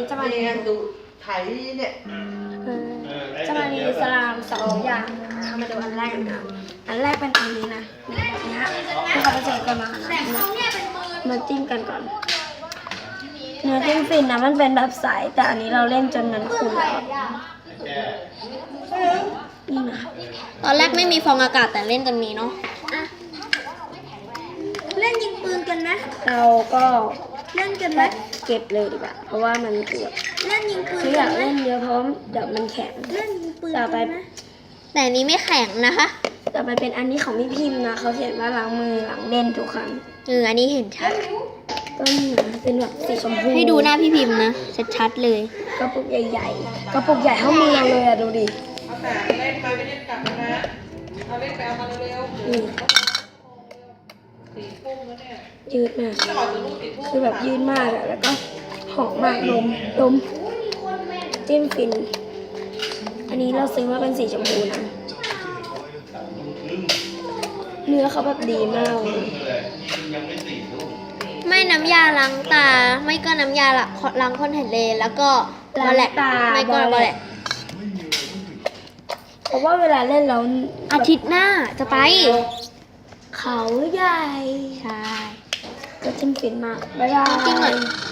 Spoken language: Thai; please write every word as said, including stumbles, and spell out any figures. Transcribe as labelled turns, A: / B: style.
A: จะมาเรียนดูไถเนี่ยจะมามีสลามสองอย่างเอามาดูอันแรกกันนะอันแรกเป็นอันนี้นะแบบนี้ที่เขาจะเจอกันมานะมาจิ้มกันก่อนเนื้อจิ้มฟินนะมันเป็นแบบใสแต่อันนี้เราเล่นจนมันขุ่นแล้วนี่นะ
B: ตอนแรกไม่มีฟองอากาศแต่เล่นจนมีเนาะ
C: เล่นยิงปืนกันไหม
A: เราก็
C: เล่นกันไหม
A: เก็บเลยดีกว่าเพราะว่ามันเกือบ
C: เล่นยิงปืน
A: คืออยากเล่นเยอะเพราะเดี๋ยวมันแข็ง
C: เล่นยิงปืน
A: ต่อไป
B: แต่นี้ไม่แข็งนะคะ
A: ต่อไปเป็นอันนี้ของพี่พิมพ์นะเขาเขียนว่าล้างมือหลังเล่นทุกครั้ง
B: เอออันนี้เห็นชัด
A: ก็นี่นะเป็นแบบสีชมพู
B: ให้ดูหน้าพี่พิมพ์นะชัดๆเลย
A: กระปุกใหญ่ๆกระปุกใหญ่เท่ามือเราเลยอะดูดิ
D: เอาแต่เล่นไปไม่เล่นกลับนะเอาเล่นไปเอามาเร็วๆสี่ทุ่มแล้วเนี่ย
A: ยืดมากคือแบบยืดมากอะแล้วก็หอมมากลมลมจิ้มฟินอันนี้เราซื้อมาเป็นสีชมพูนะเนื้อเขาแบบดีมาก
B: ไม่น้ำยาล้างตาไม่ก็น้ำยาล้างคอนแทคเลนส์แล้วก็บอลแลตไม่ก็บอลแลต
A: เพราะว่าเวลาเล่นเรา
B: อาทิตย์หน้าจะไป
A: เขาใหญ่
B: ใช่
A: ก็จิ้มฟินมากบ๊ายบาย